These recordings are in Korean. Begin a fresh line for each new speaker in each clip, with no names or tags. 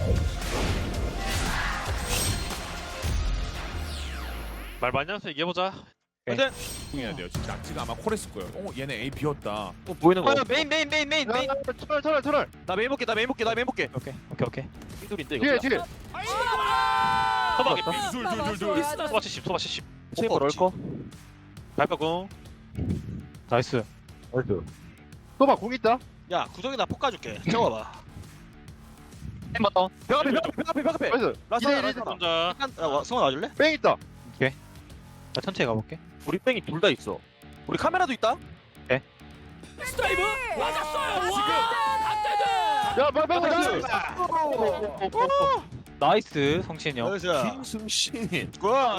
말 많이 하면서 얘기해보자.
근데
해야 돼요. 지금 낙지가 아마 콜했을 거예요. 얘네 A 비었다.
보이는 거.
메인.
터널.
나 메인 볼게.
오케이.
삐둘인데
뒤에
이거.
뒤에.
소박이
둘.
소바 70 소바 70.
체이버 넣을 거.
발표공. 나이스.
또봐 공 있다.
야 구석에다 폭 가줄게. 채워봐.
햄버터.
벽 앞에.
나이스.
라스나.
혼자.
성원 와줄래?
뺑 있다.
나 천천히 가볼게.
우리 뺑이 둘 다 있어. 우리 카메라도 있다.
스트라이브 맞았어요. 와,
야 빨리
나이스 성신이 형.
김승신.
와.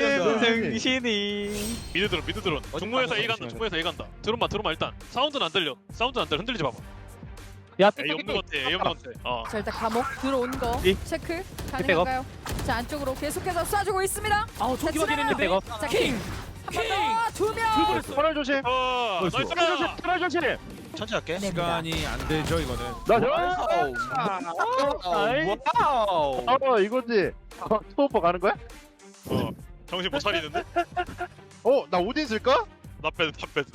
승신이. 미드 드론. 중무에서 A 간다. 중무에서 A 간다. 드론만 일단. 사운드는 안 들려. 흔들리지 봐봐.
야,
A 없는 것 같아. A 없는 것 같아. 어.
자 일단 감옥 들어온 거
이.
체크 가능한가요? 자 안쪽으로 계속해서 쏴주고 있습니다.
아우 조기 확인했는데.
백업.
자
킹.
두 명.
터널 조심.
나이스.
터널 조심.
천천히 할게.
시간이 안 되죠 이거는.
와우. 이거지. 스토퍼 가는 거야?
정신 못 차리는데?
나 오딘 쓸까?
나 빼.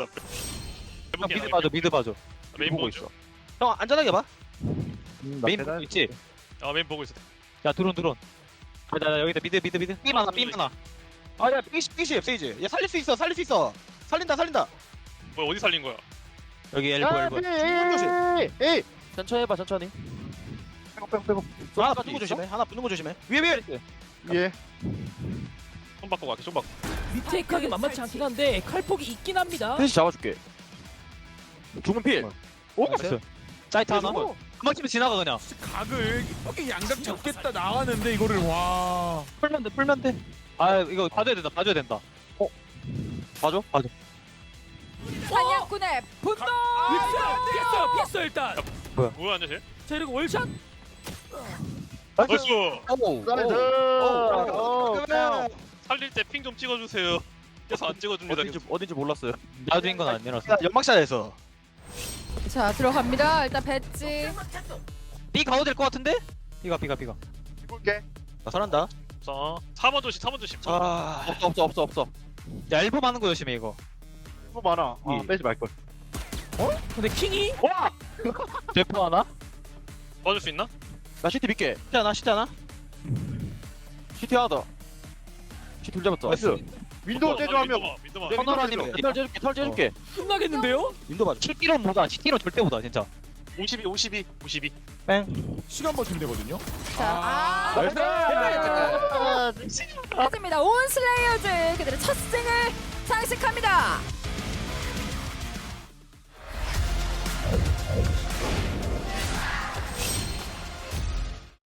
미드 봐줘.
메인
보고
보고
있어.
있어.
형 안전하게 봐.
메인 보고 있지.
아 메인 보고 있어.
야 드론. 나 여기다 미드.
삐 많아. 아야 삐시 세이지. 야 살릴 수 있어. 살린다.
뭐 어디 살린 거야?
여기 엘보.
에이.
천천히 해봐 천천히.
빼고.
하나 붙는 거 조심해. 위에.
예.
손 바꿔 갈게. 손 바꿔.
리테이크하기 만만치 않긴 한데 칼폭이 있긴 합니다.
셋이 잡아줄게. 죽은 필.
오.
나이스. 사이트 하나.
오.
한방 치면 지나가 그냥.
각을 이쁘게 양각 잡겠다 나왔는데 이거를 와.
풀면 돼. 아 이거 봐줘야 된다. 봐줘.
사냥꾼의 분노.
피했어 일단.
뭐야 안녕 쟤?
자 그리고 월샷.
나이스.
나이스.
살릴 때 핑 좀 찍어주세요. 계속 안 찍어줍니다.
어딘지 몰랐어요. 나중인 건 아니라서.
야 연막샷에서.
자 들어갑니다. 일단 배지.
B 가도 될 것 같은데? B가.
볼게.
나 살한다.
자, 4번 조심.
아.
없어. 야 엘보 많은 거 조심해 이거.
뭐 많아. 빼지 말 걸.
근데 킹이
대포 하나?
맞을 수 있나?
나 CT 믿게.
시트 하나.
CT 하나 더. CT 둘 잡았다.
나이스. 윈도우 제조하면
민도마.
터널 아니면 털 재줄게.
끝나겠는데요?
인도 봐줘.
CT로 절대 보다 진짜.
52.
시간 버티면 되거든요.
자
나이스.
하십니다. 온 슬레이어즈 그들의 첫 승을 장식합니다.